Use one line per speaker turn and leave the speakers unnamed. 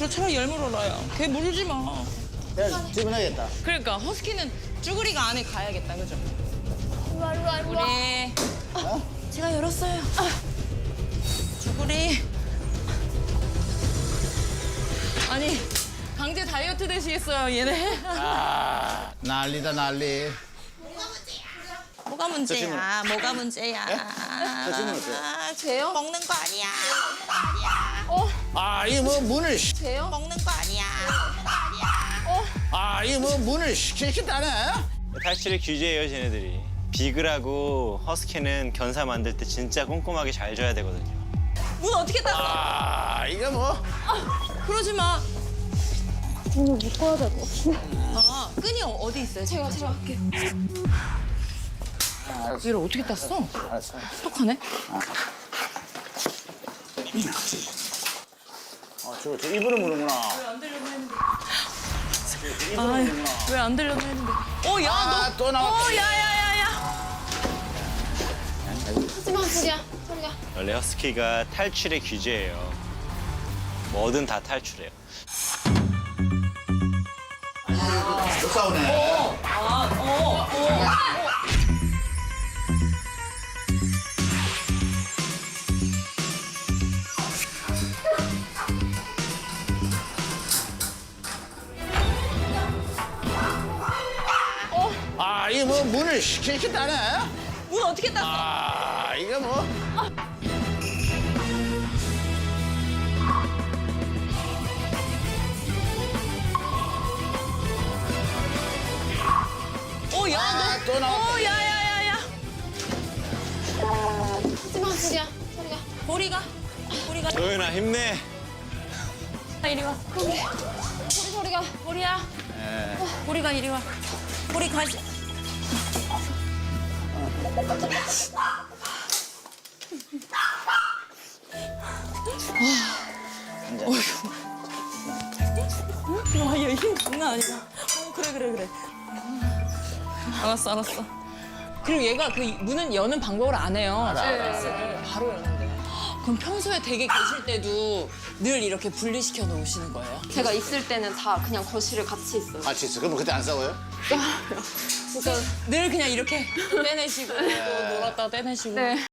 저 차라리 열 물어라요. 걔 물지 마.
내가 주문하겠다.
그러니까 허스키는 쭈그리가 안에 가야겠다, 그죠? 우리 제가 열었어요. 쭈그리. 아니 강제 다이어트 되시겠어요, 얘네?
아, 난리다, 난리.
뭐가 문제야? 뭐가 문제야?
질문 어때요?
죄요? 먹는 거 아니야.
아, 이 뭐 문을
죄요? 먹는 거 아니야.
아, 이 뭐 문을 시키다네.
탈출의 규제예요, 쟤네들이. 비글하고 허스키는 견사 만들 때 진짜 꼼꼼하게 잘 줘야 되거든요.
문 어떻게 땄어?
아, 이거 뭐.
그러지 마.
오늘 묶어야 될 것 같은데.
아, 끈이 어디 있어요?
제가 할게요.
얘를 어떻게 땄어?
알았어.
똑하네.
저 입으로 무는구나.
안 되려고 했는데. 아, 왜 안 되려고 했는데. 야,
아,
너.
또 나왔다.
야야야야.
하지마, 소리야. 소리야.
원래 허스키가 탈출의 규제예요. 뭐든 다 탈출해요.
또 싸우네. 아, 이 뭐 문을 시키다네.
문 어떻게 땄어?
아, 이거 뭐.
야,
아,
너.
또 나왔다.
야야야야.
하지마, 소리야. 소리야.
보리가.
도윤아, 힘내.
이리 와.
소리가.
보리야. 보리가 이리 와. 보리 가지. 와, 얘힘 장난 아니다. 그래. 알았어. 그리고 얘가 그 문은 여는 방법을 안 해요. 바로 여는데. 그럼 평소에 댁에 계실 때도 늘 이렇게 분리시켜 놓으시는 거예요?
제가 있을 때는 다 그냥 거실에 같이 있어요.
같이 있어. 그럼 그때 안 싸워요?
그러니까 늘 그냥 이렇게 떼내시고 또 놀았다 떼내시고.
네.